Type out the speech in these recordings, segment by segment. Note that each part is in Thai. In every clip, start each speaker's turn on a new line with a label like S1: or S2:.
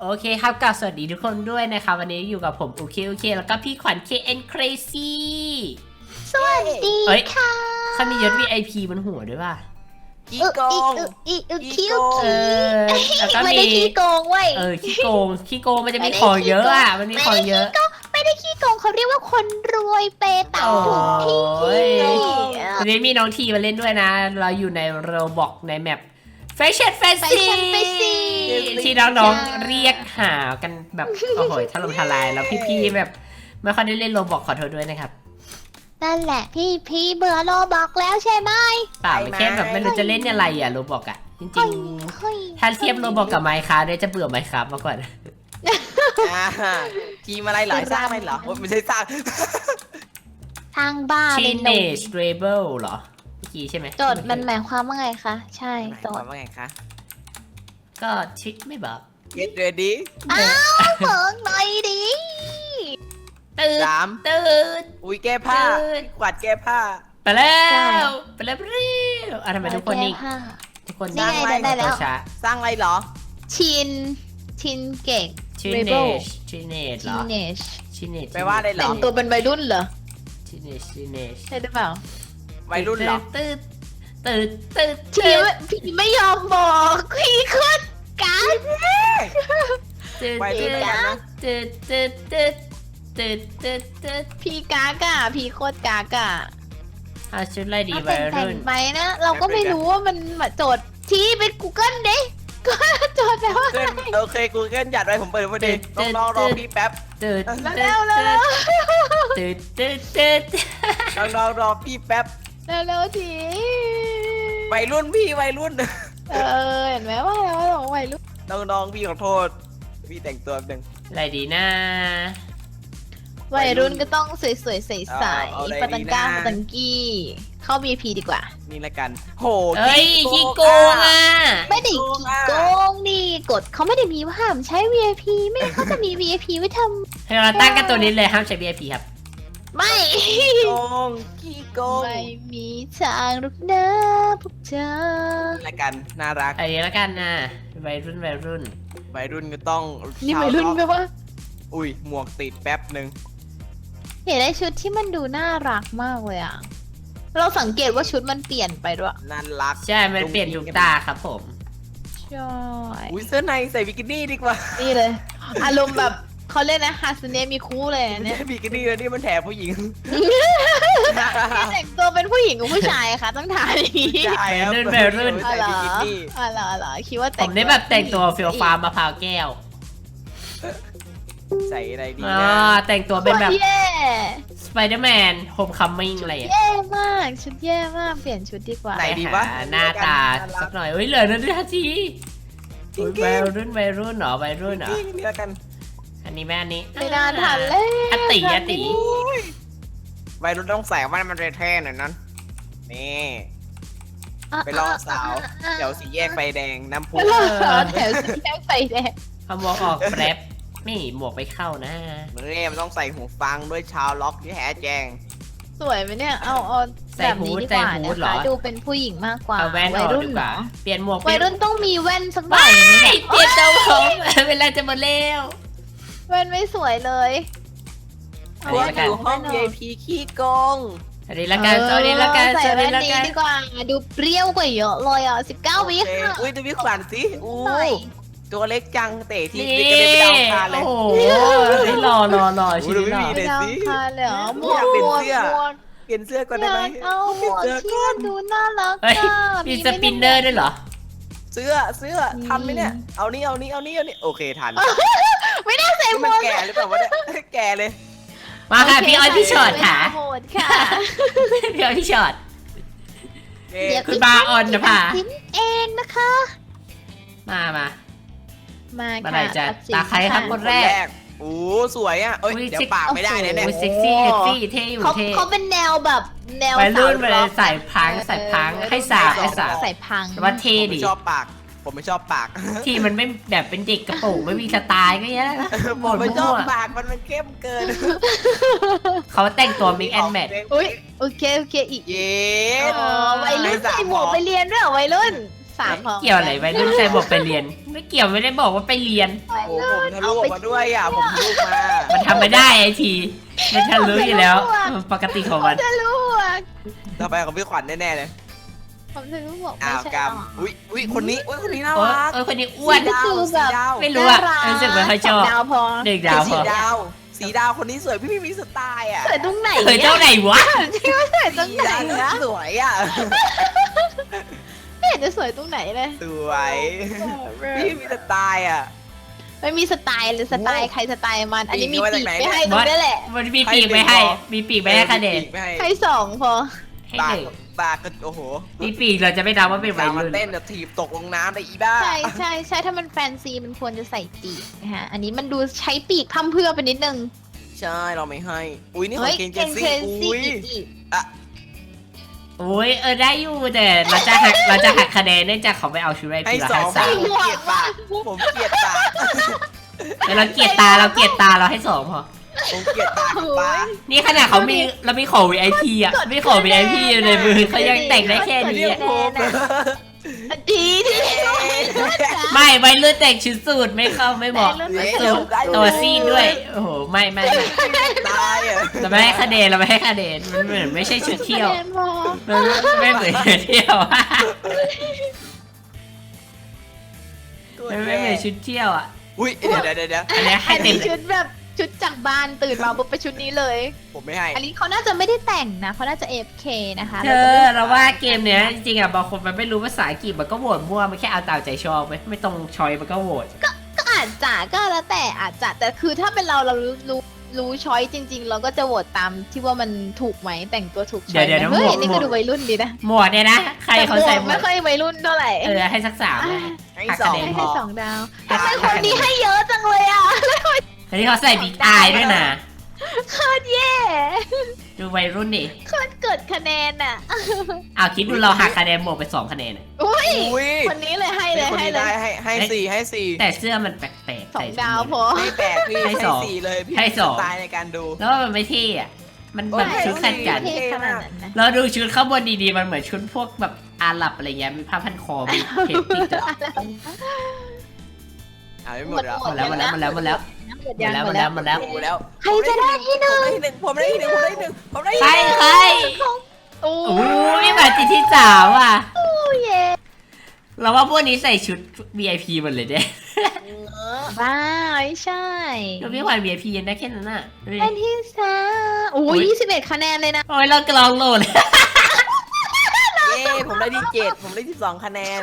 S1: เคครับกับสวัสดีทุกคนด้วยนะครับวันนี้อยู่กับผมโอเคแล้วก็พี่ขวัญ KN Crazy
S2: สวัสดี
S1: เฮ้ย
S2: ค่ะ
S1: เขามียศ VIP บนหัวด้วยป่ะ
S3: ขี้โกง
S2: คิว
S1: เออแล้วก็
S2: ไม่
S1: มี
S2: ได้ขี้โกงเว้ย
S1: ขี้โกงมันจะมีของเยอะอ่ะมันมีของเยอะ
S2: ไม่ได้ขี้โกงเขาเรียกว่าคนรวยเปตังถูกที่
S1: โอ้ย วันนี้มีน้องทีมาเล่นด้วยนะ เราอยู่ในโรบอกในแมป Fashion
S2: ไป
S1: Fancy
S2: ฉันไปสิ
S1: ที่น้องๆเรียกหากันแบบโอ้โหถล่มทลายแล้วพี่ๆแบบไม่ค่อยได้เล่นโรบอกขอโทษด้วยนะครับ
S2: นั่นแหละพี่เบื่อโลบอกแล้วใช่ไหม
S1: เปล่าไม่แค่แบบไม่รู้จะเล่นอะไรอ่ะโรบอกอ่ะจริง
S2: เฮ้ย
S1: ๆถ้าเทียบโรบอกกับไมค์คราฟเนี่ยจะเบื่อไมค์คราฟมากกว่า
S3: ทีมอะไรเหรอสร้างอะไรเหรอโอ๊ยไม่ใช่สร้าง
S2: ทางบ้าเลยหนู
S1: Teenage Rebel เหรอเมื่อกี้ใช่ไหม
S2: โจทย์มันหมายความว่าไงคะใช่
S3: หมาย
S2: โจ
S3: ควา
S2: ท
S3: ม
S2: ย์
S3: ว่าไงคะ
S1: ก็ชิคไม่บอก
S3: Get ready
S2: อ้าวเบิกหน่อยดิ
S1: ตื่น
S3: สาม
S1: ตื่น
S3: อุ้ยแก้ผ้า
S1: ตื่น
S3: กวาดแก้ผ้า
S1: ไปแล้วไปแล้วทำไมทุกคนนี่
S2: แก้ผ้า
S1: ทุกคน
S2: นี่ไงได้แล้ว
S1: ช้า
S3: สร้างอะไรเหรอ
S2: ชินเก่ง
S1: Teenage Teenage เหรอ
S2: Teenage
S1: Teenage
S3: แปลว่าอะไรเหร
S2: แต่
S3: อ
S2: งตัวเป็นวัยรุ่นเหรอ
S1: Teenage Teenage
S2: ใช่หรือเปล่า
S3: วัยรุ่นเหรอ
S1: ตื่น
S2: พี่ไม่ยอมบอกพี่ขึ้นกัน
S3: วัยรุ่นกันนะ
S1: ตื่น
S2: พี่กากะพี่โคตรกากะ
S1: เอาชุดอะไรดี
S2: เอา
S1: วัย
S2: แต่ง
S1: รุ่น
S2: ไปนะ เราก็ไม่รู้ว่ามันมาโจทย์ที่เป็น Google เด้ก็โจทย์แปลว่า
S3: เกินโอเคกูเกินหยัดไว้ผมเปิดพอดีต้องรอพี่แป๊บ
S1: ตื่น
S2: แล้ว
S1: ตื่น
S3: ต้องรอพี่แป๊บ
S2: แล้วที
S3: วัยรุ่นพี่วัยรุ่น
S2: เห็นไหมว่าแล้วว่าวัยรุ่น
S3: น้องพี่ขอโทษพี่แต่งตัวหนึ่ง
S1: อะไรดีนะ
S2: วัยรุ่นก็ต้องสวยๆใส
S3: เอาอะไร
S2: ๆปาตังก้า
S3: ดีนะ
S2: ปาตังกี้เข้า VIP ดีกว่า
S3: นี่ละกันโห
S1: เอ้ยขี้โกงอ่ะ
S2: ไม่ได้ขี้โกงนี่กฎเขาไม่ได้มีว่าห้ามใช้ VIP ไม่งั้นเขาจะมี VIP ไว้ท
S1: ให้เราตั้งกันตัวนี้เลยห้ามใช้ VIP ครับ
S2: ำไม่
S3: โกงขี้โกง
S2: ไม่มีทางหรอกนะพวกเธอ
S3: นี่ละกันน่ารัก
S1: อันนี้แล้วกันนะวัยรุ่น
S3: วัยรุ่นก็ต้อง
S2: นี่วัยรุ่นไหมวะ
S3: อุ้ยหมวกติดแป๊บหนึ่ง
S2: เห็นได้ชุดที่มันดูน่ารักมากเลยอ่ะ เราสังเกตว่าชุดมันเปลี่ยนไปด้วย
S3: น่ารัก
S1: ใช่ มันเปลี่ยนทุกตาครับผม
S2: ใช่
S3: อุ้ยเสื้อในใส่บิกินี่ดีกว่า
S2: นี่เลย อารมณ์แบบเขาเล่นนะฮาสเนมีคู่เลยอัน
S3: ไม่
S2: เนี่ย
S3: ใช่บิกินี่แล้วนี่มันแถบผู้หญิง
S2: ที่แต่งตัวเป็นผู้หญิงกับผู้ชายอะคะต้องถ่ายอย่างนี้
S3: ใช่ครับ
S1: วัยรุ่น
S2: อ๋อ
S3: ใส่
S2: เหรอ
S3: บิกินี่
S2: อ๋อเหรอคิดว่า
S1: ผ
S2: แต่ง
S1: มได้แบบแต่งตัวเฟียวฟาร์มมะพร้าวแก้ว
S3: ใส่อะไรดี
S1: อ่า
S3: นะ
S1: แต่งตัวเป็นแบบ
S2: ชุดแย่
S1: สไปเดอร์แมนโฮมคัมมิ่งอะไรอ่ะ
S2: แย่มากชุดแย่มากเปลี่ยนชุดดีกว่า
S3: ไหนดีวะ
S1: หาหน้าตาสักหน่อยเฮ้ยเหลือนาที
S3: จริง
S1: วัยรุ่นเหรอวัยรุ่นเหรอ
S3: จริงนี่ละกัน
S1: อันนี้แม่อันนี้
S2: ไม่นานทันเลย
S1: อติอติ
S3: อุ้ยวัยรุ่นต้องใส่ว่ามันเท่ๆหน่อยนั้นนี่ไปล่อสาวเดี๋ยวสี่แยกไฟแดงน้ำพุ
S2: ไปล่อสาวแถวสีแยกไฟแดง
S1: เอาหมวกออกแป๊บไม่หมวกไปเข้านะ
S3: นี่มันต้องใส่หูฟังด้วยชาวล็อกที่แท้แจง
S2: สวยไหมเนี่ยเอาแบบนี้ดีกว่านะคะดูเป็นผู้หญิงมากกว่า
S1: เอาแว่นอ
S2: วัย
S1: อก
S2: รุ่น
S1: ดีก
S2: เหร
S1: ว่า
S2: อ
S1: เปลี่ยนหมวก
S2: วัยรุ่นต้องมีแว่นสักหน่
S1: ว้า
S2: อย ยไหม
S1: เปลี่ยนเจ้าผมเวลาจะหมดแล้ว
S2: แว่นไม่สวยเลย
S1: อัน
S3: พว
S1: นี้
S3: ก
S1: ละกัน
S3: อยู่ห้อง VIP ขี้โกง
S1: อันนี้ละกันอันนี้ละกัน
S2: ใส่
S1: อัน
S2: แว่
S1: นี้
S2: น
S1: ละ
S2: นี้
S1: กัน
S2: ดีกว่าดูเปรี้ยวกว่าเยอะเลยอ่ะ19 วิ
S3: โอเค
S2: ค่ะ
S3: อุ้ยดูพี่ขวัญสิอู้
S2: หน่อย
S3: ตัวเล็กจังเตะที
S1: นี่
S3: เด็กก็ได้ไปดาวคารเลย
S1: โอ้โหนี่รอชิ้นนี้รอ
S3: ดู
S2: ไป
S3: ดิ
S2: ดาวคาเลยเหรอหมว
S3: อยาก
S2: ก
S3: เปลี่ยน
S2: หมวก
S3: เสื้อ
S2: หมวก
S3: เปลี่ยนเสื้อก่อน
S2: อ
S3: ได้ไหม
S2: ยากเอาหมวก
S3: เสื้อ
S2: ที่
S3: ก่อ
S2: มัน นดูน่ารัก
S1: เฮ้ย
S2: อ่ะ
S1: มีสปินเนอร์ด้วยเหรอ
S3: เสื้อทันไหมเนี่ย เอานี่โอเคทัน
S2: ไม่ได้ใส่หม
S3: มัน
S2: วก
S3: แก่หรือเปล่าวะเนี่ยแก่เลย
S1: มาค่ะพี่อ้อยพี่ช็อตค่ะ
S2: โหดค่ะ
S1: พี่อ้อยพี่ช็อต
S3: เอ๊
S2: เดี๋ยว
S1: คุณบาออนนะพา
S2: ตัดสินเองนะคะ
S1: มา
S2: มา
S1: เมื่อ
S2: ค่ะ
S1: ไหร่จะ
S2: ตัดสิน
S1: ตาใครครับ
S2: ะ
S1: คน
S3: แรกโอ้สวยอ่ะเอ้ย
S1: อุ๊ย
S3: เดี๋ยวปากไม่ได้นะเนี่ย
S1: โอ้ยเซ็กซี่เท่อยู่
S2: เขา
S1: เท่
S2: เขาเป็นแนวแบบแนว
S1: วัยรุ่น
S2: สาว
S1: ไปเลยใส่พังใส่พังให้สาวให้สาว
S2: ใส่พัง
S1: แต่ว่าเท่
S3: ผม
S1: ดิ
S3: ไม่ชอบปาก ผมไม่ชอบปาก
S1: ที่มันไม่แบบเป็นเด็กกระโปรงไม่มีสไตล์ก็แย่แล้วนะ
S3: ผมไม่ชอบ
S1: มั่ว
S3: ปากมันเข้มเกิน
S1: เขาแต่งตัวมิกแอนแมท
S2: อุ้ยโอเคอีก
S3: เย้
S2: อ๋อวัยรุ่นใส่หมวกไปเรียนด้วยเหรอวัยรุ่น 3พอ
S1: เกี่ยวอะไรไปรุ่นใครบอกไปเรียน ไม่เกี่ยวไม่ได้บอกว่าไปเรียน
S3: โอ้โหผมทะลุออกมาด้วยอ่ะผมทะลุมา
S1: มันทำไม่ได้ไอทีมันทะลุอยู่แล้วปกติของมัน
S2: จะรู้อ่ะ
S3: ต่อไปของพี่ขวัญแน่ๆเลย
S2: ผมจะรู้บอก
S3: อ้า
S2: ไม่
S3: ว
S2: ใช่
S3: กรรมอุ้ยคนนี้น่า
S1: โอ้ย
S3: รัก
S1: เออคนนี้อ้วน
S3: สีดาวสีดาว
S1: ไม่รู้อะรู้สึกไม่ค่อยชอบ
S2: ดาวพอ
S1: เด็กดาวพ
S3: สี
S1: อ
S3: ดาวสีดาวคนนี้สวยพี่มีสไตล์อ่ะ
S2: สวยตรงไหน
S1: เคยเจ้าไหนวะ
S2: ที่ว่าสวยตรงไหนนะ
S3: สวยอ่ะ
S2: ไม่เห็นจะสวยตรงไหนเลย
S3: สวยพี่มีสไตล์อ่ะ
S2: ไม่มีสไตล์เลยสไตล์ใครสไตล์มัน อันนี้มี
S3: ปีกมา
S2: ปี
S3: จาก
S2: ก
S3: ไหน
S2: ไม่ให้
S1: บ
S2: ดู
S1: อส
S2: ได้แหละ
S1: มันมีปีกไม่ให้ มีปีกไม่ให้คะแนน
S2: ให้2พอ
S1: ให้
S3: ปา
S1: ห
S3: ก
S1: นึ่ง
S3: ปากก็โอ้โห
S1: มีปีกเราจะไม่นับว่าเป็นวั
S3: สาวย มัน
S1: รุ่น
S3: เต้นจะถีบตกลงน้ำไปอีบ้า
S2: ใช่ถ้ามันแฟนซีมันควรจะใส่ปีกนะฮะอันนี้มันดูใช้ปีกพร่ำเพรื่อไปนิดนึง
S3: ใช่เราไม่ให้ อุ้ยนี่ขอ
S2: เฮ้
S3: ง
S2: ย
S3: เกนเจ
S2: เก่ง
S3: ซี่
S2: เซนซี่
S3: อุ้ย
S2: อีก
S1: โอ้ยได้อยู่แต่เราจะหักคะแนนเนื่องจากเขาไม่เอาชูไร
S3: ให้
S1: ปีละ
S3: สอง
S1: ให้
S3: ผม
S1: 3
S3: เกลียดปากผมเกลียดปาก
S1: แล้วเราเกลียดตาเราเราให้2พอ
S3: ผมเกลียดปากกับปาก
S1: นี่ขนาดเขามีเรามีของ VIP อ่ะมีของ VIP อยู่ในมือเขายังแต่งได้แค่นี้
S3: เรียก
S1: อะ
S3: ผม
S2: ดีที่
S1: ไม่วัยรุ่นแต่งชุดสูทไม่เข้าไม่เหมาะ
S2: วัยรุ่น
S1: สูทตัวซีดด้วย โอ้โหไม่
S3: ตายอ่ะ
S1: เราไม่ให้คะแนนมันเหมือนไม่ใช่ชุดเที่ยว
S2: คะแนนพอ
S1: มันไม่เหมือนชุดเที่ยวอะมันไม่เหมือนชุดเที่ยวอ่ะ
S3: อุ้ยเดี๋ยว
S1: อันนี้ให้
S2: อัน
S1: เต็ม
S2: นี้ชุดแบบชุดจากบ้านตื่นมาปุ๊บไปชุดนี้เลย
S3: ผมไม่ให้
S2: อันนี้เขาน่าจะไม่ได้แต่งนะเขาน่าจะ AFK นะคะ
S1: เธอเราว่าเกมเนี้ยจริงๆอ่ะบางคนมันไม่รู้ภาษาอังกฤษมันก็โหวตมั่วมันแค่เอาตามใจชอบไม่ตรงชอยมันก็โหวต
S2: ก็อาจจะก็แล้วแต่อาจจะแต่คือถ้าเป็นเรารู้ช้อยจริง ๆ เราก็จะโหวตตามที่ว่ามันถูกไหมแต่งตัวถูกช้อยไหมเฮ้ยนี่ก็ดูวัยรุ่นดีนะ
S1: หมวดเนี่ยนะใครเขาใส่หมว
S2: ไม่
S1: ด
S2: ค่อยวัยรุ่นเท่าไหร่
S1: ให้สัก3เลย
S3: ให้
S1: หัก
S3: ส
S1: คะ
S3: อง
S1: แนน
S2: ให้
S1: พอ
S2: 2 ดาวแต่คนนี้ให้เยอะจังเลยอ่ะ
S1: อันนี้เขาใส่บิ๊กอายด้วยนะ
S2: โคตรแย่
S1: ดูวัยรุ่นดิ
S2: โคตรเกิดคะแนนอ่ะ
S1: อ้าวคิดดูเราหักคะแนนบวกไป2คะแนนอะ
S2: อุ้ย
S3: อุ้ย
S2: คนนี้เลยให้
S3: ให้
S2: เลย
S3: คน
S2: ให้
S3: นี้
S2: เล
S3: ได้
S2: ย
S3: ให้สี่
S1: แต่เสื้อมันแปลกๆ
S2: สอ
S1: ใส่
S2: งดาวพอ
S3: ไม่แปลกพี่
S1: ให้
S3: ให้
S1: สอง
S3: สี่เลยพี่
S1: ให้สอง
S3: สไตล์ในการดู
S1: แล้วมันไม่เท่อะมันแบบ
S3: โอ้ย
S1: ชุดขัดกัน
S2: เท่ขนาดนั้นนะ
S1: เราดูชุดข้างบนดีๆมันเหมือนชุดพวกแบบอาหรับอะไรเงี้ยมีผ้าพันคอมีเพชรติดอะ
S3: อ่าไม่หมดแล้ว
S1: หมดแล้ว
S2: หมดแล้ว
S1: หมดแล้ว
S2: หมดแล้ว
S1: หมดแล้ว
S3: หมดแล้ว
S2: ใครจะได้ที่หนึ่ง
S3: ผมได้ที่หนึ่งผมได้ที่หนึ่ง
S1: ใครใคร
S2: โอ้
S1: โอ้ยมาติดที่3อ่ะ
S2: เย่
S1: เราว่าพวกนี้ใส่ชุด VIP หมดเลยเนี่ย
S2: บ้าไม่ใช่
S1: เราพี่ขวัญ VIP ยังได้แค่นั้นอ่ะดูดิ
S2: เป็นที่3โอ้ย21 คะแนนเลยนะ
S1: โอ้ยเรากลองโหลด
S3: เย้ผมได้ที่7ผมได้ที่2คะแนน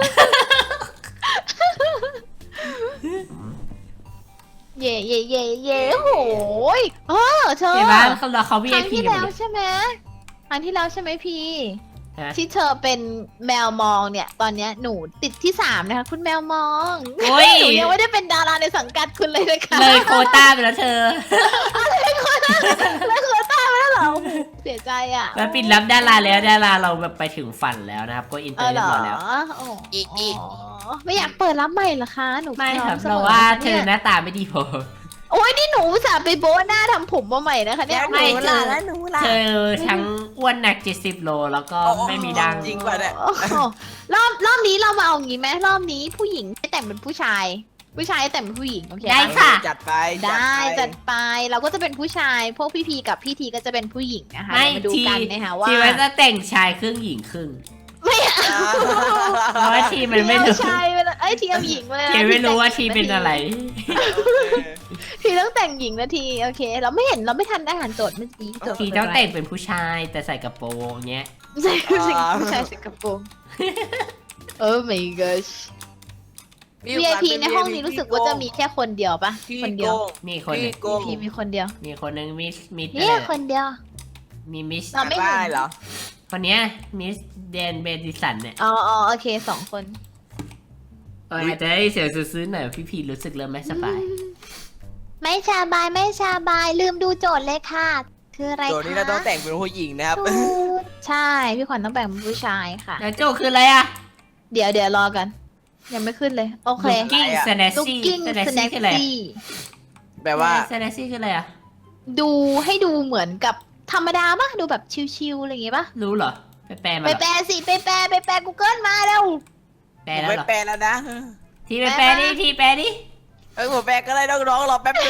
S2: เย่เย่เย่เย่โหยเธอ
S1: เห็นไหมเราเขา
S2: ครั้ง
S1: VIP
S2: ที่
S1: หมด
S2: แล้ว
S1: เลย
S2: ใช่ไหมครั้งที่แล้วใช่ไหมพี่
S1: ฮะ
S2: ที่เธอเป็นแมวมองเนี่ย ตอนเนี้ยหนูติดที่3นะคะคุณแมวมอง
S1: โอ้ย
S2: หนูยังไม่ได้เป็นดาราในสังกัดคุณเลยนะคะ
S1: เลยโควต้าไปแล้วเธอ
S2: แล้วเคยตามมาแล้วเหรอโอ้โหเสียใจอ่ะ
S1: แล้วปิดรับดาราแล้วดาราเราแบบไปถึงฝันแล้วนะครับก็อินเตอร์
S2: เห
S1: เรี
S2: ร
S1: ยบ
S2: อ
S1: ร้อยแล้ว
S2: โอ้
S3: อีก
S2: ไม่อยากเปิดรับใหม่เหรอคะหนู
S1: ไม่ครับ
S2: พอ
S1: เรา
S2: สมอ
S1: ว่า
S2: นะคะ
S1: เธอหน้าตาไม่ดีพอ
S2: โอ้ยนี่หนูอุตสาห์ไปโบ๊ะหน้าทำผมมาใหม่นะคะเนี่ย
S1: ไม่
S3: หนูล่ะแล้วหนูล่ะ
S1: เธอทั้งอ้วนหนัก70 โลแล้วก็ไม่มีดัง
S3: จริงป่ะเนี่ย
S2: โอ้โหรอบนี้เรามาเอางี้ไหมรอบนี้ผู้หญิงให้แต่งเป็นผู้ชาย ผู้ชายให้แต่งเป็นผู้หญิงโอเคป
S1: ได้ค่ะ
S3: จัดไป
S2: ได้จัดไปเราก็จะเป็นผู้ชาย พวกพี่พีกับพี่ทีก็จะเป็นผู้หญิงนะคะ
S1: ไม่
S2: เดี๋ยวมาดู
S1: ที
S2: กันนะคะว่า
S1: ทีมันจะแต่งชายครึ่งหญิงครึ่ง
S2: ไม่เอา
S1: เพราะว่าทีมันไม่รู้
S2: เอาชายไปเลยเอ้ยทีเอาหญิงไปเลย
S1: ทีไม่รู้ว่าทีเป็นอะไร
S2: ทีต้องแต่งหญิงนะทีโอเค เราไม่เห็นเราไม่ทันได้อ่านโจทย์เมื่อกี้โจทย์
S1: ทีต้องแต่งเป็นผู้ชายแต่ใส่กระโปรงเงี้ย
S2: ใช่ผู้ชายใส่กระโปรงโอ้ my gosh VIP ในห้องนี้รู้สึกว่าจะมีแค่คนเดียวปะ
S3: พี่
S2: คน
S3: โก
S2: เดียว
S3: ง
S1: มีคนหนึ่ง
S3: พี่โกง
S2: VIP มีคนเดียว
S1: มีคนหนึ่งมิส
S2: เนี่ยคนเดียว
S1: มีมิส
S2: เราไม่เห็น
S3: ได้เหรอ
S1: คนเนี้ยมิสเดนเบดิสันเนี่ย
S2: อ๋อโอเค2 คน
S1: อาจจะให้เสียงซื้อๆหน่อยพี่พีรู้สึกเริ่มไม่สบาย
S2: ไม่สบายไม่สบายลืมดูโจทย์เลยค่ะ คืออะไรคะ
S3: โจทย์นี้เราต้องแต่งเป็นผู้หญิงนะครับ
S2: ถูกใช่พี่ขวัญต้องแบ่งเป็นผู้ชายค่ะ
S1: แล้วโจคืออะไรอ่ะ
S2: เดี๋ยวรอกัน ยังไม่ขึ้นเลย โอเค
S1: Looking
S3: อะไรอะ
S1: Snazzy
S2: Looking
S1: Snazzy คืออะไร
S2: Snazzy
S3: แปลว่า
S1: Snazzy คืออะไรอ่ะ
S2: ดูให้ดูเหมือนกับธรรมดาปะดูแบบชิวๆอะไรอย่างงี้ปะ
S1: รู้เหรอไปแปลมา
S2: ไป
S1: เหรอ
S2: แปลสิไปแปล Google มาแล้ว
S1: แปล
S3: ผม
S1: แล้ว
S3: ไม่
S1: เหรอ
S3: แปลแล้วนะ
S1: ทีไปแปลดิทีแปลดิ
S3: ผมแปลก็ได้น้องๆรอแป๊บนึง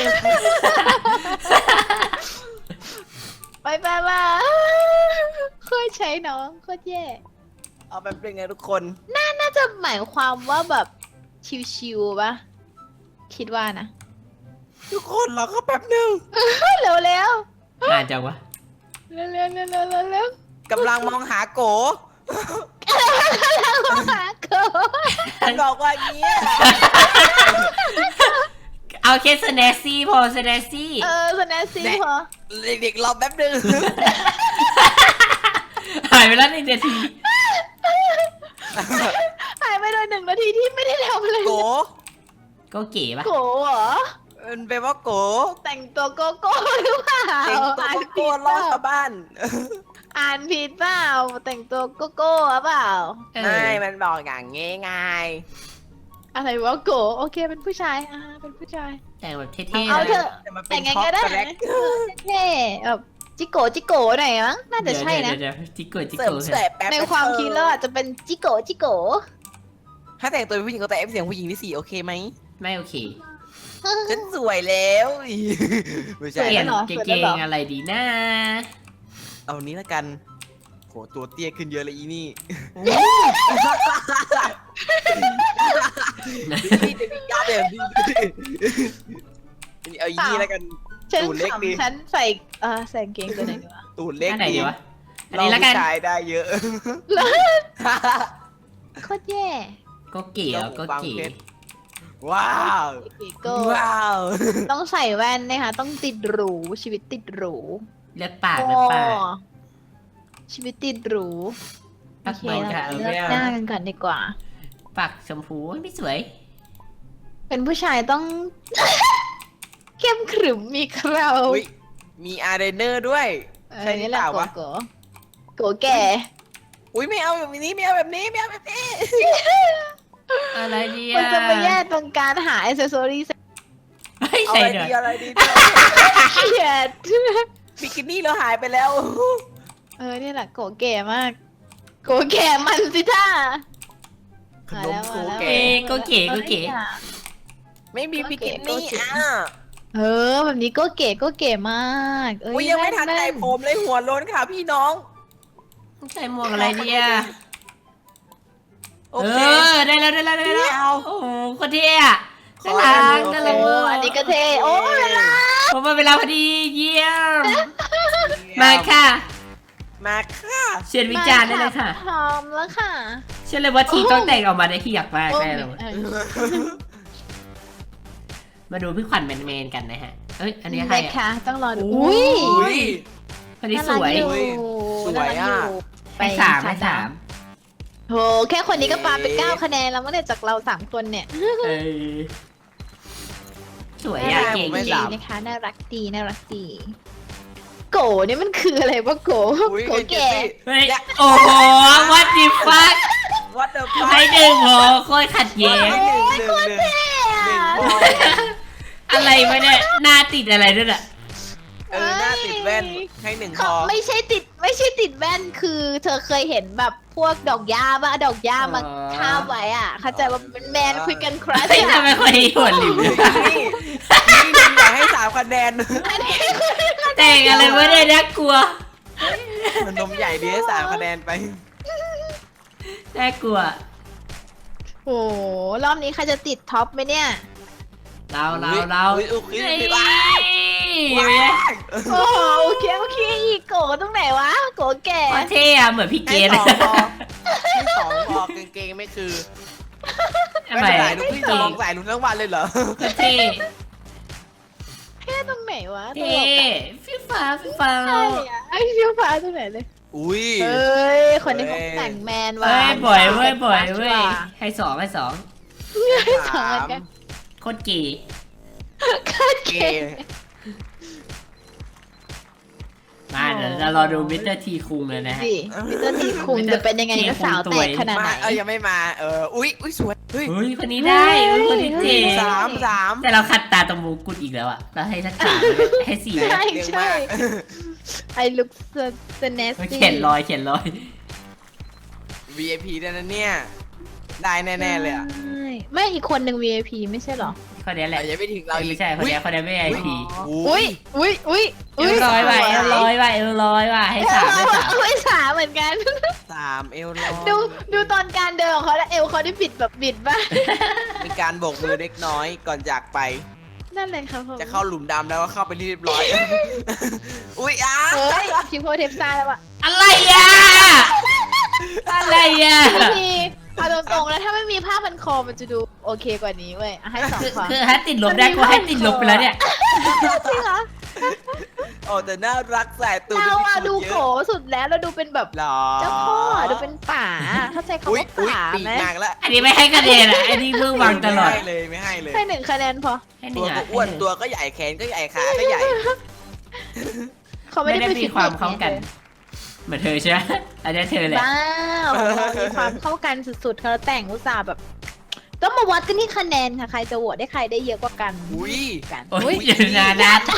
S2: ไปโคตรใช้น้องโคตรแย่
S3: เอาแป๊บนึงไงทุกคน
S2: น่าจะหมายความว่าแบบชิวๆปะคิดว่านะ
S3: ทุกคนรอก็แป๊บนึง
S2: เร็วเร็ว
S1: อ่านจังวะ
S2: เร็วเร็วเร็วเร็วเร็ว
S3: กำลังมองหาโก
S2: หาเกิด
S3: บอกว่าอย่างเงี้ย
S1: เอาแค่สแนซี่พอสแนซี่
S2: สแนซี่พอ
S3: เด็กๆรอแป๊บนึง
S1: หายไปแล้ว1 นาที
S2: หายไปโดย1 นาทีที่ไม่ได้ทำเลย
S3: โก
S1: ก็เก๋ปะ
S2: โกเหรอ
S3: มันแปลว่าโก
S2: แต่งตัวโกโก้หรือเปล่า
S3: เด็กตัวโกรอชาวบ้าน
S2: อ่านผิดเปล่าแต่งตัวโกโก้หรือเปล่า
S1: เออ
S3: ไม่มันบอกอย่างงี้ไง
S2: อะไรวะโกโอเคเป็นผู้ชายเป็นผู้ชาย
S1: แต่งแบบเท่ๆ
S2: เอาเถ
S1: นะ
S2: อะ
S3: แต่มันเป็
S2: แต่
S3: น
S2: งไง
S3: ช็อป
S2: ก็ได้
S3: แรก
S2: เท่ๆแบบจิโกหน่อยมั้งน่าจะใช่นะ
S1: เดี๋ยวจิกโกจิก
S3: เสริ
S1: โก
S3: มแสบแป๊บ
S2: ในความคิดแล้วอาจจะเป็นจิโก
S3: ถ้าแต่งตัวเป็นผู้หญิงก็แต่เสียงผู้หญิงที่สี่โอเคไหม
S1: ไม่โอเค
S3: ฉันสวยแล้วไม่
S1: เป
S3: ใช่
S1: ลี่ยน
S2: เหรอ
S1: กางเกงอะไรดีนะ
S3: เอานี้ละกันโหตัวเตี้ยขึ้นเยอะเลยอีนี่นี่จะมียับเลยนี่เอาอีนี่ละกัน
S2: ฉัน
S3: ตูดเล็กดี
S2: ขำฉันใส่ใส่กางเกงตัวไหนดีวะ
S3: ตูดเล็ก
S1: อันไหนดีวะ อัน
S3: เรา
S1: นี้ละกัน
S3: ผู้ชายได้เยอะ
S2: โคตรแย่
S1: ก็เก๋แล้วก็เก๋
S3: ว้าว
S2: โก้
S3: ว้าว
S2: ต้องใส่แว่นนะคะต้องติดหรูชีวิตติดหรู
S1: เลือกปากเลือกปาก
S2: ชีวิตติดหรู
S1: ปัก
S2: โอเค
S1: เบา
S2: เรา
S1: ค่ะ
S2: เลือกหน้ากันก่อนดีกว่า
S1: ปากชมพูไม่สวย
S2: เป็นผู้ชายต้อง เข้มขรึมมีเครา
S3: อุ๊ยมีอาร์เดนเนอร์ด้วย ใช่หรือ
S2: นี่แห
S3: เป
S2: ละ
S3: ล่าวะ
S2: โกแก่
S3: อุ้ยไม่เอาแบบนี้ไม่เอาแบบนี้ไม่เอาแบบนี้
S1: อะไรดี
S2: มัน
S1: อ่ะ
S2: จะมาแย่ตรงการหาอิเซอรี่
S1: ไม่
S3: เอา
S1: ใช่
S3: อะไร
S1: เดี๋ยว
S3: ดีอะไรดี
S2: เกลียด
S3: บิกินี่เราหายไปแล้ว
S2: นี่แหละโกแก่มาก โกแก่มันสิท่า
S3: ขนมโค
S2: มาแล้ว
S3: แก่
S1: เอ้ก็เก๋ก็เก๋
S3: ไม่มีบิกินี่อ่ะ
S2: แบบนี้ก็เก๋มาก
S3: อุ้ยยังไม่ทันใจผมเลยหัวโล้นค่ะพี่น้อง
S1: ใส่หมวกอะไรดีอ่ะ
S3: โอ
S1: เอ
S3: เค
S1: อได้แล้วได้แล้วได้แล้ว
S3: เอา
S1: โอ้โหคนเท่อะ
S3: ขอ
S1: น่ารัก
S3: ให้
S1: น่า
S3: ดู
S1: รัก
S2: อันนี้ก็เท่โอ้เวลา
S1: ผมมาเวลาพอดีเยี่ยม มาค่ะ
S3: มาค่ะ
S1: เชิญวิจารณ์ได้เลยค่ะ
S2: พร้อมแล้วค่ะ
S1: เชื่อเลยว่าทีต้องแต่งออกมาได้ที่อยากมากแน่เลย มาดูพี่ขวัญแมนๆกันนะฮะ เอ้ย อันนี้ใคร
S2: ได้
S1: อ่ะ
S2: ค่ะต้องรอดู
S1: อุ้ย
S3: อุ้ย
S1: คนนี้สวย
S2: น่ารักอ
S3: สวยอะ
S2: น่ารัก
S1: ไปสามไปสาม
S2: โหแค่คนนี้ก็ปาไป9 คะแนนแล้วเมื่อไหร่จากเรา3 คนเนี่ย
S1: เออสวย
S2: น่า
S1: อ่ะ
S2: รัก
S1: เก่ง
S3: ไม่
S2: ดี
S3: หลับ
S2: นะคะน่ารักดีโกเนี่ยมันคืออะไรวะโก
S3: อุ้ย
S2: โก
S3: เจ
S2: แก่
S3: สซี่
S1: เฮ้ยโอ้โหวัดดิฟัก
S3: วัดเดอร์ฟั
S1: ให้หนึ่งโหโคตรขัดแย้ง
S3: หนึ่งพอ
S1: อะไรวะเนี่ยหน้าติดอะไรด้วยอ่ะ
S3: หน้าติดแว่นให้หนึ่งพ
S2: เขา
S3: อ
S2: ไม่ใช่ติดแว่นคือเธอเคยเห็นแบบพวกดอกหญ้าป่ะดอกหญ้ามาคาบไว้อ่ะเข้าใจว่าเป็นแมนคุยกันครัช
S1: เฮ้ยทำไมคนนี้หัวหลิม
S3: นี่นี่อยากให้3 คะแนน
S1: แต่งอะไรวะเนี่ยน่ากลัว
S3: มันนมใหญ่ดีให้3 คะแนนไป
S1: น่ากลัว
S2: โอ้รอบนี้ใครจะติดท็อปไหมเนี่ย
S1: เรา
S3: อุ๊ยอุ๊ย
S1: เฮ้ย
S3: ว้าย
S2: โอ้โอเคอีกโกตรงไหนวะโกแก่
S1: โคตรเท่อะเหมือนพี่เก
S3: ให้
S1: ด
S3: 2 พอให้2 พอกางเกงไม่คือ
S1: ทำไม
S3: ใส่ลูกพี่จะลองใส่ลูกทั้งวันเลยเหรอ
S1: โคตรเท่
S2: แค่ตรงไหนวะตล
S1: เท่
S2: กอะ
S1: ฟิวฟ้าฟิวฟ้า
S2: ใช่อะไอ้เฟี้ยวฟ้าตรงไหนเลย
S3: อุ้ย
S2: เอ้ยคนนี้เขาแต่งแมนว่ะ
S1: เฮ้ยบ่อยเว้ยให้สอง
S2: สองเหมือนกัน
S1: โคตรเก๋
S3: เกย์
S1: มาเดี๋ยวเรารอดูมิสเตอร์ทีคุงเลยนะฮะ
S2: ดิมิสเตอร์ทีคุงจะเป็นยังไงก็สาวแตกขนาดไหน
S3: มายังไม่มาอุ้ยสวยเฮ้ย
S1: เฮ้ยคนนี้ได้เฮ้ยคนนี้เจ๋ง
S3: สาม
S1: แต่เราขัดตาตรงมงกุฎอีกแล้วอะเราให้สักสามให้สี่
S2: ใช่
S3: เร็ว
S2: ใช่
S3: มาก
S2: ไอ้ลุคสเนส
S1: เขียนรอย
S3: VIP ด้วยนะเนี่ยได้แน่ๆเลยอ่ะ
S2: ไม่อีกคนหนึ่ง VIP ไม่ใช่เหรอ
S1: คนนี้แหละ
S3: ยังไม่ถึงเราอี
S1: ไม่
S3: ก
S1: ใช่คนนี้คนนี้ไม่ไอพี
S2: อุ้ย
S1: เอลลอยว่ะเอลลอยว่ะเอลลอยว่ะให้สามให้สาม
S2: ไม่สามเหมือนกัน
S3: 3 เอลลอย
S2: ดูตอนการเดินของเขาแล้วเอวเขาได้บิดแบบบิดบ้าง
S3: มีการโบกมือเล็กน้อยก่อนจากไป
S2: นั่นเลยครับผม
S3: จะเข้าหลุมดำแล้วก็เข้าไปเรียบร้อย อุ้ย
S2: เฮ้ยพิมโพเทปซ่าแล้วอะ
S1: อะไรอ่ะอะไรอ่ะ
S2: พี่เอาตรงๆแล้วถ้าไม่มีผ้าพันคอมันจะดูโอเคกว่านี้เว้ยให้สองความ
S1: คือให้ติดลบได้ก็ให้ติดลบไปแล้วเนี่ย
S2: จริงเหรอ
S3: โอ้แต่น่ารักแสบตูด
S2: เราอะดู
S3: เย
S2: โขสุดแล้วเราดูเป็นแบบ
S3: หรอ
S2: เจ้าพ่อดูเป็นป่าเข้าใจคำ
S3: อุ้ย
S2: ว่า
S3: อุ้ย
S2: ป่า
S3: ปีก
S2: ไหม
S3: นางแล้ว
S1: อันนี้ไม่ให้คะแนนอ่ะอันนี้มือวางตลอด
S3: ไม่ให้เลยไม่ให้เลย
S2: ให้หนึ่งคะแนนพอ
S1: ให้ห
S3: ตั
S1: นึ่
S3: ว
S1: ง
S3: ก็
S1: อ่ะ
S3: อ้วนตัวก็ใหญ่แขนก็ใหญ่ขาก็ใหญ่
S2: เขาไม่
S1: ไม่
S2: ได้
S1: ได้
S2: ไป
S1: มี
S2: ฟิต
S1: ความ
S2: เนส
S1: เข้ากัน เหมือนเธอใช่ไหมอันนี้เธอแหละ
S2: บ้ามีความเข้ากันสุดๆเขาแต่งอุตส่าห์แบบ ต้องมาวัดกันที่คะแนนค่ะใครจะโหวตได้ใครได้เยอะกว่ากัน
S3: อุ้ย
S2: กัน
S1: โอ้ยเดี๋ยวนะนัด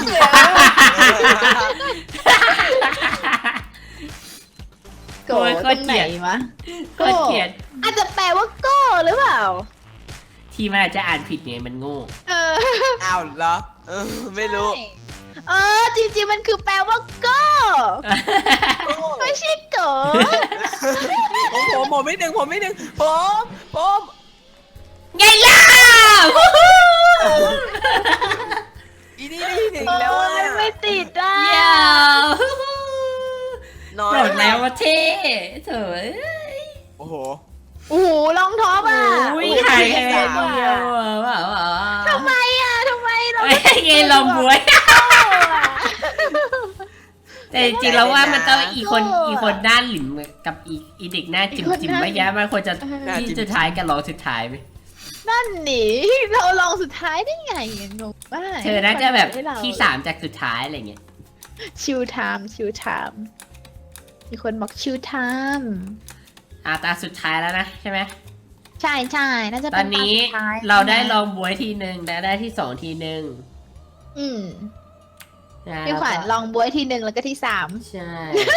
S2: โกรธตรงไหนวะ
S1: โคตรเกลียด
S2: อาจจะแปลว่าโก้หรือเปล่า
S1: ที่มันอาจจะอ่านผิดไงมันโง่
S2: เออ
S3: อ้าวเหรอไม่รู้
S2: ใช่เออจริงๆมันคือแปลว่าโก้ไม่ใช่โก
S3: ผมไม่ดึงผมผม
S1: ไงล่ะ
S3: อีนี่ได้หนึ่งแล้ว
S2: โอ้
S3: อ่ะ
S2: ยไม่ติดอ่ะ
S1: เดี๋ยว
S3: น้อย
S1: บอกแล้วว่าเท่เถอะ
S3: โอ้โห
S2: โอ้โหลองท็อปอ่ะ
S1: อุ้ย
S2: โอ้โ
S1: หายแค่
S2: เท่
S1: เดียวว้าว
S2: ทำไมอ่ะทำไมเรา
S1: ไอ้ไงลองบวย แต่จริงๆแล้วว่ามันต้องอีคนหน้าหลิมกับอีเด็กหน้าจิ๋มๆไม่แย่มันควรจะที่สุดท้ายกันรองสุดท้ายไหม
S2: นั่นหนีเราลองสุดท้ายได้ไงงงมาก
S1: เธอน่าจะแบบ
S2: ให้เรา
S1: ที่3จากสุดท้ายอะไรเงี้ย
S2: ชิลไทม์มีคนบอกชิลไทม์
S1: ตาสุดท้ายแล้วนะใช่ไหม
S2: ใช่น่าจะ
S1: ต
S2: เป็
S1: อน
S2: น
S1: นี้
S2: ตสุดท้าย
S1: เราได้ลองบวยทีหนึ่งและได้ที่2ทีหนึ่ง
S2: อืม
S1: นะ
S2: พี่ขวัญลองบวยทีหนึ่งแล้วก็ที่ 3
S1: ใช่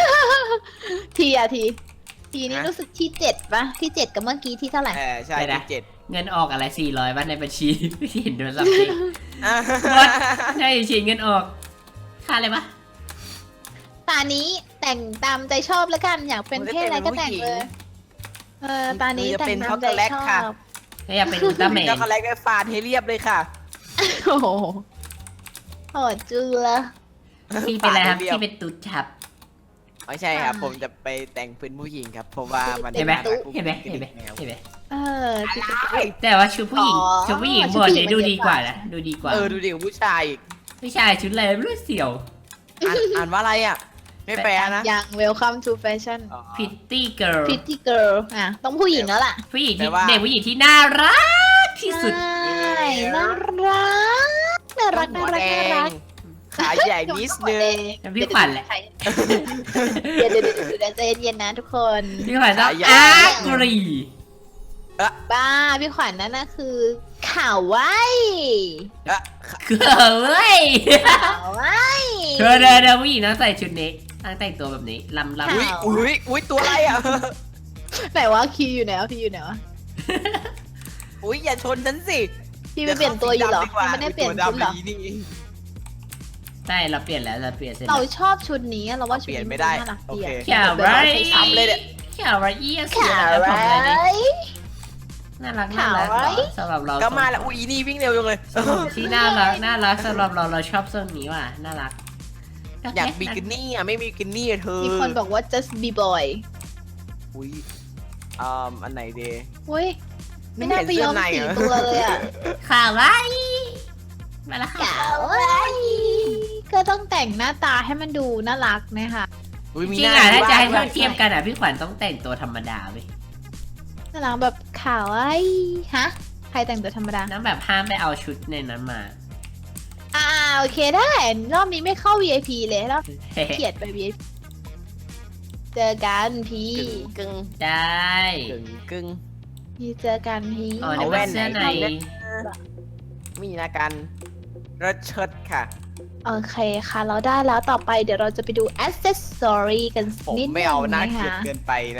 S2: ทีนี้รู้สึกที่ 7ปะที่ 7กับเมื่อกี้ที่เท่าไหร่
S3: ใช่ที่7
S1: เงินออกอะไร400บ้านในบัญชี ไม่เห็นโดนสับทีใช่ฉีดเงินออกค่าอะไรปะ
S2: ตานี้แต่งตามใจชอบแล้วกันอยากเป็นเพศอะไรก็แต่งเลยตานี้แต่งตามใจชอบ
S1: ถ้าอยากเป็นอุลตร้าแมน
S3: ช็อกโกแลตก็ฟาดให้เรียบเลยค่ะ
S2: โอ้โหโหดจุละ
S1: พี่เป็นอะไรครับพี่เป็นตุ๊ดครับ
S3: ไม่ใช่ครับผมจะไปแต่งเป็นผู้หญิงครับเพราะว่ามัน
S1: เห็นไหม
S3: ารัก
S1: เห็นไหม
S3: กุ๊ก
S1: เห็นไหม
S3: กิ๊กแนว
S1: เห็นไหม
S2: ที่
S1: แต่ว่าชุดผู้หญิง
S2: อ๋อ
S1: ชุดผู้หญิง
S2: ชุ
S1: บ
S2: ด
S1: น
S2: ผู้หญิ
S1: เนี่
S2: ง
S1: ยดูดีกว่า
S2: มันเยอะกว่า
S1: นะดูดีกว่า
S3: ดูดิของผู้ชายอีก
S1: ไม่ใช่ชุดอะไรไม่รู้เสี่ยว
S3: อ่านว่าอะไรอ่ะ ไม่แปลนะ
S2: อย่าง welcome to fashion
S3: อ๋อ
S1: พิตตี้เกิร์ล
S2: pretty girl อ่ะต้องผู้หญิงแล้วล่ะ
S1: ผู้หญิง
S3: แปล
S1: ที่
S3: ว่า
S1: เด็กผู้หญิงที่น่ารักที่สุด
S2: ใช่น่ารัก
S3: หัวแดงขาใหญ่นิดนึง
S1: พี่ขวัญแหละ
S2: เดี๋ยวใจเย็นๆนะทุกคน
S1: พี่ขวัญต้อง
S3: สายใหญ่
S1: อากรี
S2: บ้าพี่ขวัญนั่นนะคือข่าวไว้
S1: คือเว้ย
S2: ข่าวไว้
S1: เธอเดินผู้หญิงต้องใส่ชุดนี้ต้องแต่งตัวแบบนี้ลำ
S3: อุ้ยอุ้ยตัวอะไรอ่ะ
S2: ไหนวะคีอยู่ไหนวะพี่อยู่ไหนวะ
S3: อุ้ยอย่าชนฉันสิ
S2: พี่ไปเปลี่ยนตัวอยู่เหรอยังไม่ได้เปลี่ยนชุดเหรอ
S1: ใช่เราเปลี่ยนแล้วเราเปลี่ยนเสร็จ
S2: เราชอบชุดนี้เราว่าชุด
S3: เปลี่ยน
S2: นี้
S3: ไม่ได้
S2: น่ารัก
S3: โอ
S2: ดี
S3: เค
S2: อะ
S1: แข่าวไร
S3: ซ้ำเลยเนี่ย
S1: แข่าวไรเอียส
S2: ข่าว
S1: แล้ว
S2: ไว้
S1: ผมเลยดิน่ารักน่ารัก
S2: ข่าวไร
S1: สำหรับเรา
S3: ก็มาแล้วอุ้ยนี่วิ่งเร็วจังเลย
S1: ที่น่ารักสำหรับเราชอบทรงนี้ว่ะน่ารัก
S3: อยากบิกินี่อ่ะไม่มีบิกินี่อะเธอ
S2: มีคนบอกว่า just be boy
S3: อุ้ยอันไหนเด
S2: เว้ยไม่น่าไปยอมสีตัวเลยอ่ะ
S1: ข่าวไรมาแล้วค่ะ
S2: ข่าวไว้ก็ต้องแต่งหน้าตาให้มันดูน่ารักนะคะ
S3: อุ้ย
S1: จ
S3: มี
S1: ริง
S3: หน้า
S1: อ่ะถ้าจะให้
S3: ด้ว
S1: เทียบกันอ่ะพี่ขวัญต้องแต่งตัวธรรมดาไป
S2: น่ารักแบบข่าวไอ้ฮะใครแต่งตัวธรรมดา
S1: น้ำแบบห้ามไปเอาชุดในนั้นมา
S2: โอเคได้รอบนี้ไม่เข้า VIP เลยรอบเกลียดไป VIP เจอกันพี่
S3: กึ่ง
S1: ได้
S3: กึ่ง
S2: พี่เจอกันพี่
S1: อ๋อในเป็นเสื้อใน
S3: มีนะกันรถเชิดค่ะ
S2: โอเคค่ะเราได้แล้วต่อไปเดี๋ยวเราจะไปดู accessory กัน
S3: ผม
S2: นิดนึ
S3: ไม่
S2: ง
S3: เอาหน้า
S2: นะ
S3: เกลียด
S2: คะ
S3: เกินไปนะครับ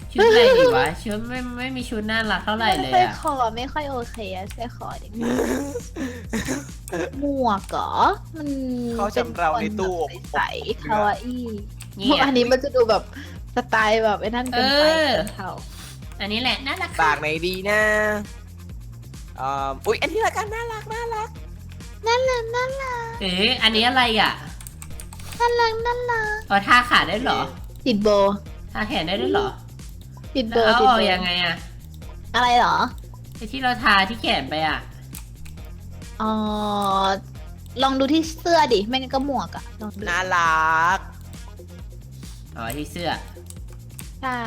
S1: ชุดอะไรดีวะชุดไม่มีชุดน่ารักเท่าไหร่เลย
S2: สร้อย
S1: อะ
S2: คอไม่ค่อยโอเคอะสร้อยคอเด็กหมวกเหรอมัน
S3: เขาจำเราในตู้อบ
S2: ใสๆคาวาอี้
S1: เนี่ย
S2: อันนี้มันจะดูแบบสไตล์แบบไอ้นั่นเกินไปเท่า
S1: อันนี้แหละน่ารัก
S3: ปากไหนดีนะอุ๊ยอันนี้ละกันน่ารัก
S2: นั่นแหละนั่นแหละ
S1: อันนี้อะไรอ่ะ
S2: นั่นแหละนั่นแหละ
S1: เอาท่าขาได้เหรอ
S2: ติดโบ
S1: ท่าแขนได้ด้วยเหรอ
S2: ติดโบ
S1: แล้วเอา
S2: ติด
S1: ออก
S2: โบ
S1: ยังไงอ่ะ
S2: อะไรเหรอ
S1: ไอที่เราทาที่แขนไปอ่ะ
S2: อ๋อลองดูที่เสื้อดิไม่งั้นก็หมวกอะลองดู
S3: น่ารัก
S1: อ๋อที่เสื้อ
S2: ใช่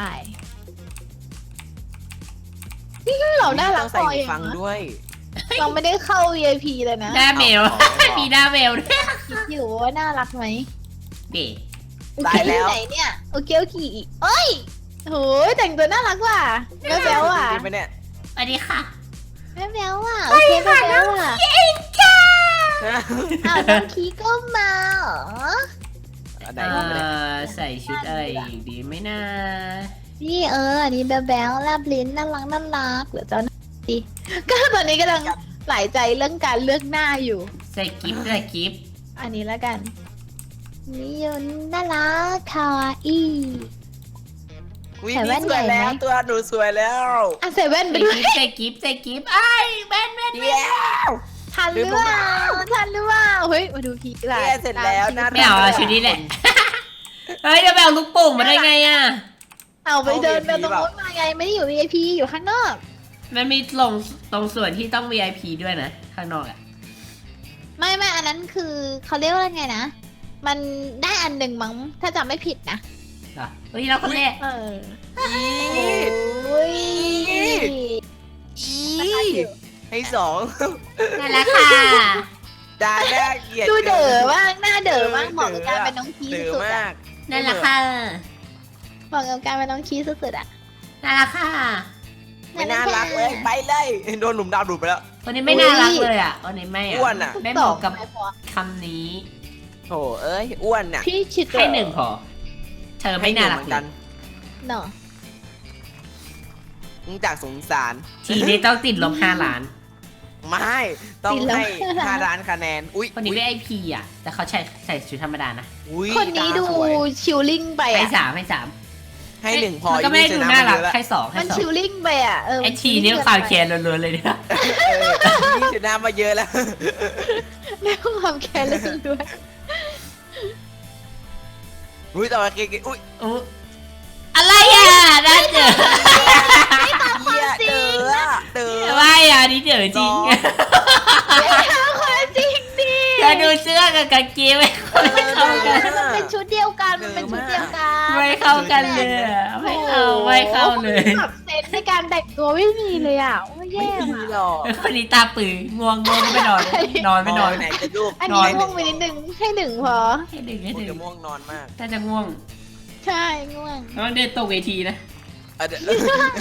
S2: นี่เราน่ารัก
S3: ต้องใส่
S2: พอ
S3: หู
S2: อย่าง
S3: ฟัง
S2: นะ
S3: ด้วย
S2: เราไม่ได้เข้า VIP เลยนะ
S1: หน้าเมล มีหน้าเมลด้วย
S2: คิดอยู่ว่าน่ารักไหม
S1: เด็ก
S3: ได้แล้ว
S2: ไหนเนี่ยโอเคโอเคเอ้ยโหยแต่งตัวน่ารักว่ะแม่แบ๊วว่ะ
S3: จริงไหมเนี่ย
S1: สวัสดีค่ะ
S2: แม่แบ๊วว่ะโอเคแม่แบ๊วว่ะอ้าวน้องคีก็มาเหรอ
S3: อันไหนดีไหมเนี่ย
S1: ใส่ชุดอะไรอีกดีไหมนะ
S2: นี่อันนี้แบ๊วแบ๊วแลบลิ้นน่ารักน่ารักเดี๋ยวเจ้าหน้าดีก็ตอนนี้กำลังหลายใจเรื่องการเลือกหน้าอยู่
S1: ใส่กิฟต์ใส่กิฟต์
S2: อันนี้แล้วกันนี่ยนน่ารักคาวาอี้
S3: อุ๊ย
S2: ใส่แว่
S3: นี่
S2: น
S3: สวย
S2: ใหญ่
S3: แล้ว
S2: ไหม
S3: ตัวหนูสวยแล้ว
S2: อ่ะใส่แว่นไป
S1: ใส่
S2: ด้วย
S1: กิฟต์ใส่กิฟต์ใส่กิฟต์ไอ้แม่น
S3: เดี๋ยว
S2: ทันหรือเปล่าทันหรือเปล่าเฮ้ยมาดูพีกหลา
S3: เนี่ยเสร็จแล้วน่า
S1: ไม่เอาชุดนี้แหละ เฮ้ยจะไปเอาลูกโป่งมาได้ไงอ่ะ
S2: เอาไปเดินไปตรงนู้นมาไงไม่ได้อยู่ VIP อยู่ข้างนอก
S1: มันมีตรงส่วนที่ต้อง VIP ด้วยนะ ข้างนอกอ่ะ
S2: ไม่อันนั้นคือเขาเรียกว่าไงนะ มันได้อันหนึ่งมั้งถ้าจำไม่ผิดนะ
S1: เหรอเฮ้ยเราคนแรก
S2: เออ
S3: อี
S2: โอ้ย
S3: ให้สอง
S1: น่ารักค่ะ
S3: ดาหน้าเกลียด
S2: ดูเด๋อบ้างหน้าเด๋อบ้างเหมาะกับการเป็นน้องคี
S3: เด๋อ
S2: สุดๆ
S3: มา
S2: อะ
S3: ก
S1: น่ารักค่ะ
S2: เหมาะกับการเป็นน้องคีสุดๆอะ
S1: น่ารักค่ะ
S3: ไม่น่ารักเลยไปเลยโดนหลุมดาวดูดไปแล้ว
S1: คนนี้ไม่น่ารักเลยอ่ะคนนี้ไม่
S3: อ้วนอะ
S1: ไม่เหมาะกับ
S2: ไม่พอ
S1: คำนี้
S3: โถเอ้ยอ้วนน่ะ
S2: พี่คิด
S1: ให้หนึ่งพอ เธอไม่น่ารัก
S3: เหมือน
S1: เล
S3: กัน
S1: ย
S2: เนาะ
S3: มึงจากสงสาร
S1: ทีนี้ต้องติดลบ5 ล้าน
S3: ไม่ต้องให้5ล้านคะแนนอุ้ย
S1: คนนี้ VIP อ่ะ แต่เขาใส่ชุดธรรมดานะ
S3: อุ๊ย
S2: คนนี้ดู
S3: ตาสวย
S2: ชิลลิ่งไป
S1: ให้
S2: อะ
S3: ให้ 1 พอ
S1: มันก็ไม่ได้ดูน่ารักให้สอง
S2: มันชิลลิ่งไปอะ
S1: ไอทีนี่ความแค้นล้วนๆเลยเนี่ย
S3: นี่ชนะมาเยอะแล้ว
S2: เรื่องความแค้นเรื่องด้วย
S3: อุ้ยต่อมาเก่งอุ้ย
S1: อุ๊ยอะไรอ่ะน่าเจอ
S3: เหี้ยเด้อเด้อ
S1: ไม่อ่ะนี่เดี๋ยวจริง
S2: ความจริงดิ
S1: เธอดูเสื้อกับกางเกงไม่เข้ากัน
S2: มันเป็นชุดเดียวกันมันเป็นชุดเดียวกัน
S1: ไม่เข้ากันเลยอะไม่เข้าเลย
S2: แบบเซนในการแต่งตัวไม่มีเลยอ่ะโอ้ย
S3: ไม่
S2: แย่
S3: มี
S2: ว่ะ
S3: หรอก
S1: คนนี้ตาปือง่วงก็ไม่นอนนอนไม่นอน
S3: ไหนจะลูก
S2: อันนี้ง่วงไปนิดนึงให้หนึ่งพอ
S1: ให้ดึงให้
S3: มึง
S1: ดึง
S3: จะม่วงนอนมาก
S1: ถ้าจะง่วง
S2: ใช่ง่วง
S1: ต้องเดินตกเวทีนะ
S3: เดี๋ยว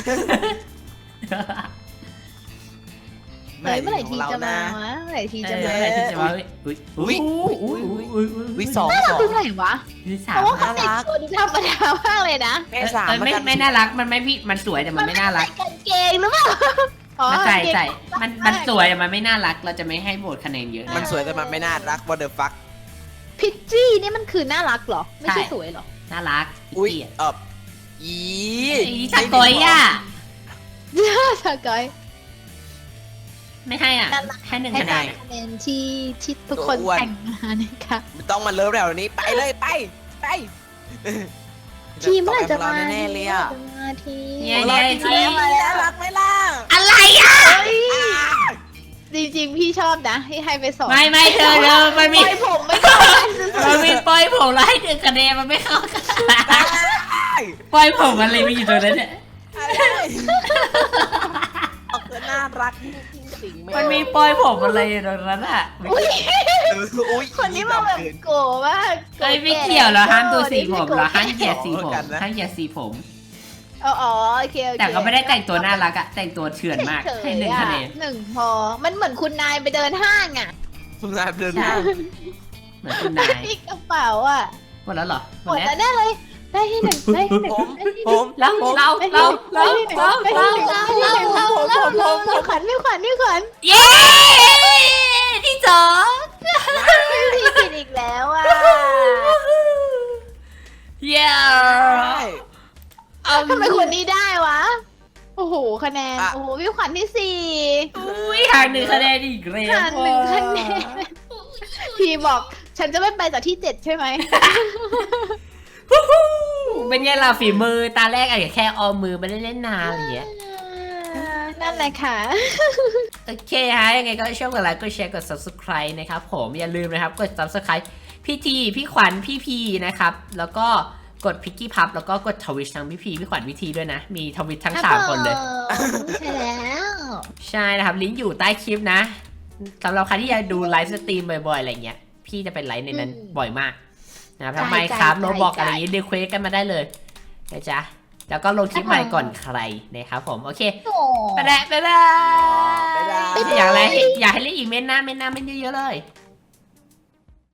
S2: เฮ้ยเมื่อไหร่ที
S3: ของเรา
S2: จะมา
S3: นะ
S2: วะเมื่อไหร่ที
S1: เอ
S2: จะ
S1: อ
S2: มา
S1: อะไรที่จะว่าอุ้ยอุ้ยอุ้ยอุ้ย
S3: วิสอง
S2: ดูไหนวะ
S1: อุ้ยสา
S2: เพ
S1: ม
S2: ราะว่าเขาแต่งตัวดูธรรมดามากเลยนะ
S3: แม่สาม
S1: ไม่น่ารักมันไม่พี่มันสวยแต่มันไม่น่ารัก
S2: ใส่กางเกงหรือเปล่าอ๋อ
S1: มันใส่
S2: กางเกง
S1: ใส่มันสวยแต่มันไม่น่ารักเราจะไม่ให้โหวตคะแนนเยอะ
S3: มันสวยแต่มันไม่น่ารัก what the fuck
S2: พิชจี้นี่มันคือน่ารักเหรอ ไม่ใช่สวยเหรอ
S1: น่ารัก
S3: อุ้ย
S1: เกลียด
S3: อี
S1: อีสกอยอ่ะ
S2: สกอย
S1: ไม่ให้อ่ะ
S2: น่ารัก
S1: ให้หนึ่ง
S2: ให้
S1: คะแน
S2: ได้
S1: น
S2: คะแนนที่ทุกคนแต่งมานะคะ
S3: ไม่ต้องมาเลิฟแล้วนี้ไปเลยไป
S2: ทีมเมื่อไหร่จะมา
S3: แน่ๆเลยอ่ะ
S2: จะมาที
S1: เนี่ยเนี่ยที่
S3: น่ารักไหมล่ะ
S1: อะไรอ่ะ
S2: จริงๆพี่ชอบนะให้ไปสอง
S1: ไม่เธอมันมี
S2: ปล่อยผมไม่ได้
S1: มันมีปล่อยผมแล้วให้หนึ่งคะแนนมันไม่เข้ากันปล่อยผมอะไรไม่อยู่ตรงนั้นเนี่ย
S3: ออกจะน่ารักจริง
S1: มันมีปล่อยผมอะไรอยู่ตรงนั้นอ่ะ
S3: อุ้ย
S2: คนนี้มาแบบโกรธมาก
S1: เอ้ยไม่เกี่ยวเหรอห้ามตัวสีผมเหรอห้ามเหยียดสีผมห้ามเหยียดสีผม
S2: อ๋อโอเค
S1: แต่ก็ไม่ได้แต่งตัวน่ารักอะแต่งตัวเถื่อนมาก
S2: เฉยๆ
S1: ให้หนึ่งคะแนน
S2: หนึ่งพอมันเหมือนคุณนายไปเดินห้างอ่ะ
S3: คุณนายเดินหน้า
S1: เหมือนคุณนาย
S2: พี่กระเป๋าอ่ะ
S1: หมดแล้วเหรอ
S2: หมดแล้วแน่เลยได้ที่หนึ่งได้ที่หนึ่ง
S3: ผม
S1: เรา
S2: พี่ขวัญพี่ขวัญ
S1: เย้ที่สอง
S2: พี่ผิดอีกแล้วอ่ะ
S1: เย้
S2: ทำไมคนนี้ได้วะโอ้โหคะแนนโอ้โหพี่ขวัญที่สี่
S1: อุ้ยห่าง1 คะแนนอีกแล้ว
S2: ห่าง1 คะแนนพี่บอกฉันจะไม่ไปจากที่ 7 ใช่ไหม
S1: เป็นไงล่ะฝีมือตาแรกอาจจะแค่ออมมือไม่ได้เล่นนานอะไรอย่างเงี้ย
S2: นั่นแหละค่ะ
S1: โอเคฮะยังไงก็ช่วยกดไลค์กดแชร์กด subscribe นะครับผมอย่าลืมนะครับกด subscribe พี่ทีพี่ขวัญพี่พีนะครับแล้วก็กดพิกกี้พับแล้วก็กดทวิชทั้งพี่พีพี่ขวัญพี่ทีด้วยนะมีทวิชทั้ง3 คนเลย
S2: ใช่แล้ว
S1: ใช่นะครับลิงก์อยู่ใต้คลิปนะสำหรับใครที่อยากดูไลฟ์สตรีมบ่อยๆอะไรเงี้ยพี่จะเป็นไลฟ์ในนั้นบ่อยมากนะครับทำไมครับโรบอกอะไรอย่างงี้ดีเควสกันมาได้เลยนะจ๊ะแล้วก็ลงคลิปใหม่ก่อนใครนะครับผมโอเคไปแล้วบ๊ายบายอยากให้เล่นอีกเม้นหน้าเม้นเยอะๆเลย